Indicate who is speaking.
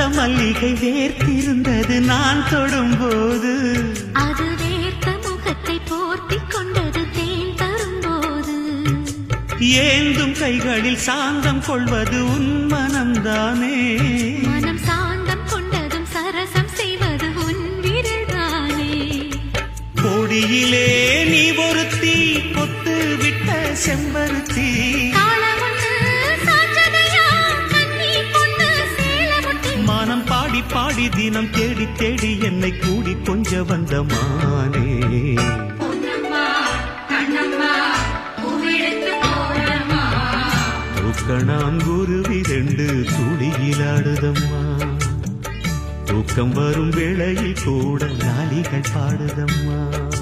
Speaker 1: மல்லிகை வேர்த்திருந்தது நான் தொடும்போது,
Speaker 2: அது வேர்த்த முகத்தை போர்த்திக் கொண்டது தேன் தரும்போது.
Speaker 1: ஏந்தும் கைகளில் சாந்தம் கொள்வது உன் மனம்தானே,
Speaker 2: மனம் சாந்தம் கொண்டதும் சரசம் செய்வது உன் விரல்தானே.
Speaker 1: கொடியிலே நீ ஒருத்தி கொத்து விட்ட செம்பருத்தி, மானம் பாடி பாடி தினம் தேடி தேடி என்னை கூடி கொஞ்ச வந்த மானே. தூக்கணாங்குருவி ரெண்டு துளியிலாடுதம்மா, தூக்கம் வரும் வேளையில் கூட நாளிகள் பாடுதம்மா.